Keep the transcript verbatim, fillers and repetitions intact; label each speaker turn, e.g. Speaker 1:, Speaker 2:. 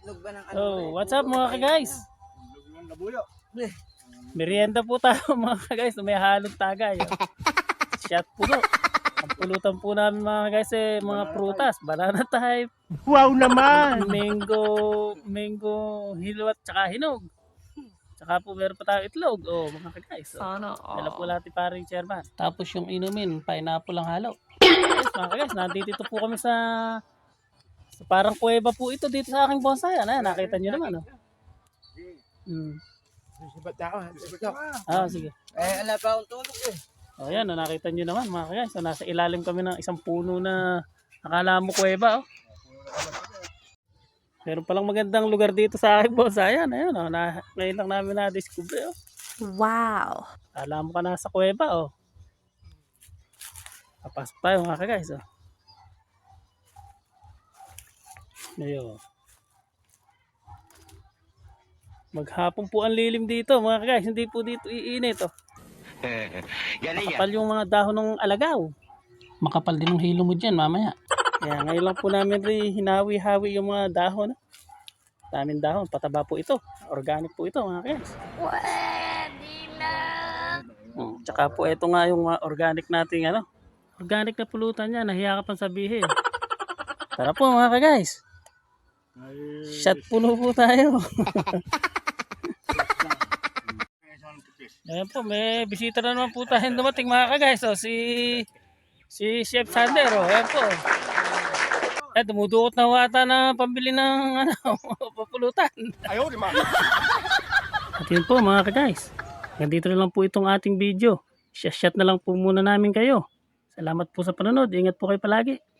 Speaker 1: itlog ba ng ano?
Speaker 2: So, what's up mga ka-guys? Merienda po tayo mga ka-guys na may halong tagay. Oh. Shot puno. Ang pulutan po namin mga ka-guys eh, mga prutas. Banana type.
Speaker 3: Wow naman!
Speaker 2: Mango, mango hilwat tsaka hinog. Tsaka po meron pa tayong itlog. Oh, mga ka-guys. Oh.
Speaker 4: Sana
Speaker 2: Dala po
Speaker 4: all.
Speaker 2: natin paring chairman. Tapos yung inumin, pineapple ang halo. Yes, mga ka-guys, nandito po kami sa, sa parang kuweba po ito dito sa aking bonsai. Ano, nakita nyo naman. Oh. Hmm. Ah, sige.
Speaker 1: Eh, ala pa akong tulog eh.
Speaker 2: O yan, oh, nakita nyo naman mga ka-guys. So, nasa ilalim kami ng isang puno na akala mo kuweba. Oh. Meron palang magandang lugar dito sa aking bonsai. Ayan, ayun, oh, na, ngayon lang namin na-discover. Oh.
Speaker 4: Wow.
Speaker 2: Akala mo ka nasa kuweba. Oh. Papasok tayo mga ka-guys. Oh. Ayun. Maghapon po ang lilim dito mga ka-guys. Hindi po dito iinit. Oh. Makapal yung mga dahon ng alagaw. Makapal din ang hilo mo dyan mamaya. Kaya ngayon lang po namin rin hinawi-hawi yung mga dahon. Daming dahon. Pataba po ito. Organic po ito mga ka-guys.
Speaker 4: Pwede na.
Speaker 2: Hmm. Tsaka po ito nga yung mga organic nating ano. Organic na pulutan niya. Nahiya ka pang sabihin. Tara po mga ka-guys. Shot puno po tayo. Ayan po, may bisita na naman po tayong dumating mga ka-guys. So, si si Chef Sander. Oh. Ayan po. Eh, dumudukot na wata na pambili ng ano, papulutan.
Speaker 3: Ayaw, di ma.
Speaker 2: At yun po mga ka-guys. Nandito na lang po itong ating video. Shot na lang po muna namin kayo. Salamat po sa panonood. Ingat po kayo palagi.